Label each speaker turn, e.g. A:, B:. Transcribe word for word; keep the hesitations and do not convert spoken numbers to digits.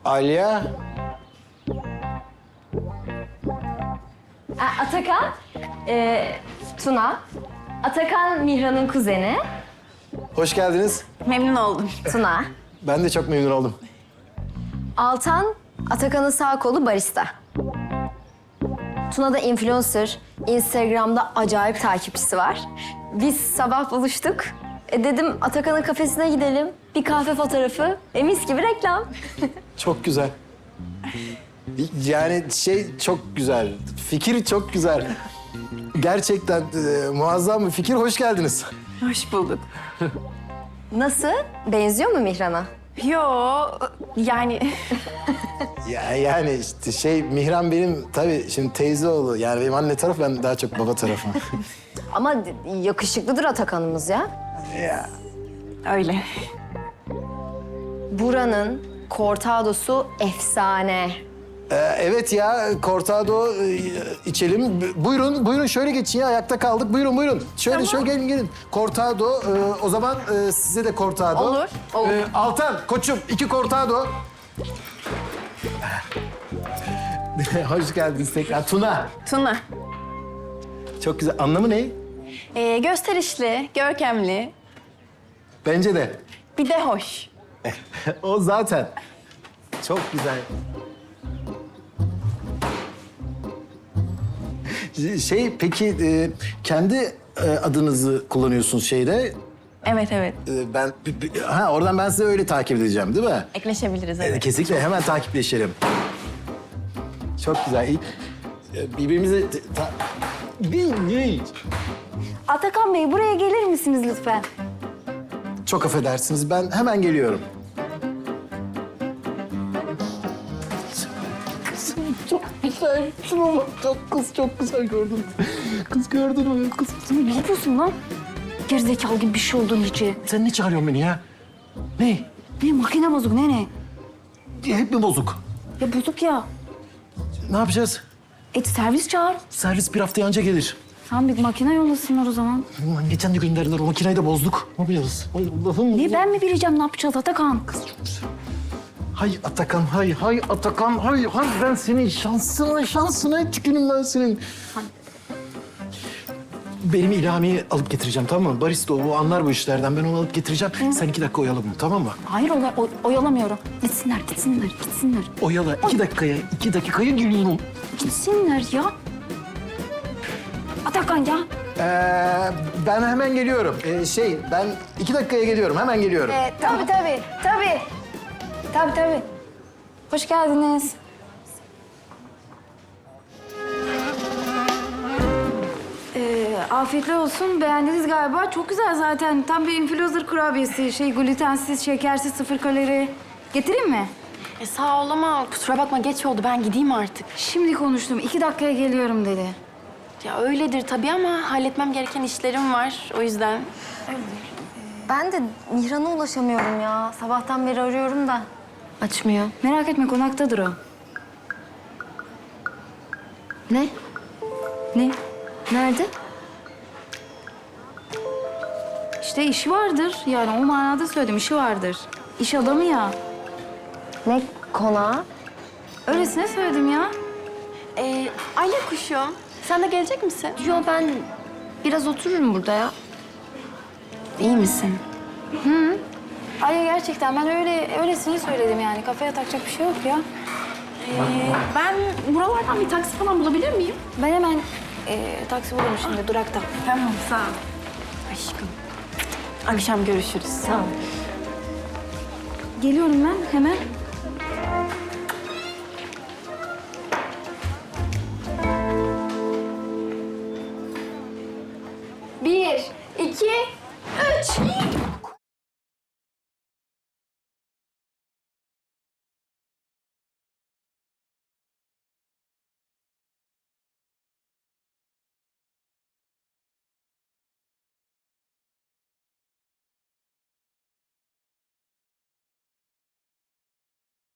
A: Alya.
B: Aa, Atakan, ee, Tuna. Atakan Mihran'ın kuzeni.
A: Hoş geldiniz.
C: Memnun oldum.
B: Tuna.
A: Ben de çok memnun oldum.
B: Altan, Atakan'ın sağ kolu barista. Tuna da influencer. Instagram'da acayip takipçisi var. Biz sabah buluştuk. E dedim Atakan'ın kafesine gidelim. Bir kahve fotoğrafı. E mis gibi reklam.
A: Çok güzel. Yani şey çok güzel. Fikir çok güzel. Gerçekten e, muazzam bir fikir. Hoş geldiniz.
C: Hoş bulduk.
B: Nasıl? Benziyor mu Mihran'a?
C: Yo, yani
A: Ya yani işte şey Mihran benim tabii şimdi teyze oğlu. Yani benim anne tarafı, ben daha çok baba tarafı.
B: Ama yakışıklıdır Atakan'ımız ya.
A: Ya.
C: öyle.
B: Buranın cortadosu efsane.
A: Ee, evet ya, cortado e, içelim. B- Buyurun, buyurun şöyle geçin ya. Ayakta kaldık. Buyurun, buyurun. Şöyle,
C: Tamam.
A: şöyle gelin, gelin. Cortado. e, o zaman e, size de cortado.
C: Olur, olur.
A: Ee, Altan, koçum iki cortado. Hoş geldiniz tekrar. Tuna.
C: Tuna.
A: Çok güzel. Anlamı ne?
C: Ee, gösterişli, görkemli,
A: Bence de.
C: bir de hoş.
A: O zaten. Çok güzel. Şey peki e, kendi e, adınızı kullanıyorsunuz şeyde.
C: Evet, evet.
A: E, ben b- b- ha oradan ben size öyle takip edeceğim değil mi?
C: Ekleşebiliriz,
A: E,
C: evet.
A: kesinlikle hemen takipleşelim. Çok güzel. İyi. E, Birbirimize t- ta- Değil, değil.
B: Atakan Bey buraya gelir misiniz lütfen?
A: Çok affedersiniz. Ben hemen geliyorum. Çok güzel. Şuna bak. Çok kız çok güzel gördün. Kız gördün mü? Kız.
B: Ne yapıyorsun lan? Gerizekalı gibi bir şey oldun içi.
A: Sen ne çağırıyorsun beni ya? Ne?
B: Ne makine bozuk ne ne?
A: Hep mi bozuk?
B: Ya bozuk ya.
A: Ne yapacağız?
B: Et servis çağır.
A: Servis bir haftaya anca gelir.
B: Tamam bir makine yollasınlar o zaman.
A: Ulan geçen de gönderdiler. O makineyi de bozduk. Ne yapacağız? Ay Allah'ım.
B: Niye ben mi bileceğim ne yapacağız Atakan?
A: Hay Atakan, hay, hay Atakan, hay, hay ben senin şansına, şansına tükürüm ben senin. Benim İlhami'yi alıp getireceğim, tamam mı? Barista o, o anlar bu işlerden. Ben onu alıp getireceğim. Sen iki dakika oyala bunu, tamam mı?
B: Hayır ola, o, oyalamıyorum. Gitsinler gitsinler gitsinler.
A: Oyala, iki dakikaya, iki dakikaya geliyorum.
B: Gitsinler ya. Atakan ya.
A: Ee, ben hemen geliyorum. Ee, şey, ben iki dakikaya geliyorum, hemen geliyorum.
B: Ee, tabii tabii tabii. Tabii tabii. Hoş geldiniz.
D: Ee, afiyetler olsun. Beğendiniz galiba. Çok güzel zaten. Tam bir influencer kurabiyesi. Şey glutensiz, şekersiz, sıfır kalori. Getireyim mi?
C: E, sağ ol ama kusura bakma geç oldu. Ben gideyim artık.
D: Şimdi konuştum. İki dakikaya geliyorum dedi.
C: Ya öyledir tabii ama halletmem gereken işlerim var. O yüzden
B: Ben de Mihran'a ulaşamıyorum ya. Sabahtan beri arıyorum da açmıyor.
D: Merak etme konaktadır o.
B: Ne?
D: Ne?
B: Nerede?
D: İşte işi vardır. Yani o manada söyledim. İşi vardır. İş adamı ya.
B: Ne konağı?
D: Öylesine söyledim ya.
C: Ee, Ayla kuşum, sen de gelecek misin?
B: Yo ben biraz otururum burada ya.
C: İyi misin?
D: Ay gerçekten ben öyle öylesine söyledim yani. Kafaya takacak bir şey yok ya.
C: Ee, ben buralardan bir taksi falan bulabilir miyim?
D: Ben hemen e, taksi bulurum şimdi durakta.
C: Tamam, sağ ol. Aşkım. Akşam görüşürüz.
B: Tamam.
D: Geliyorum ben hemen.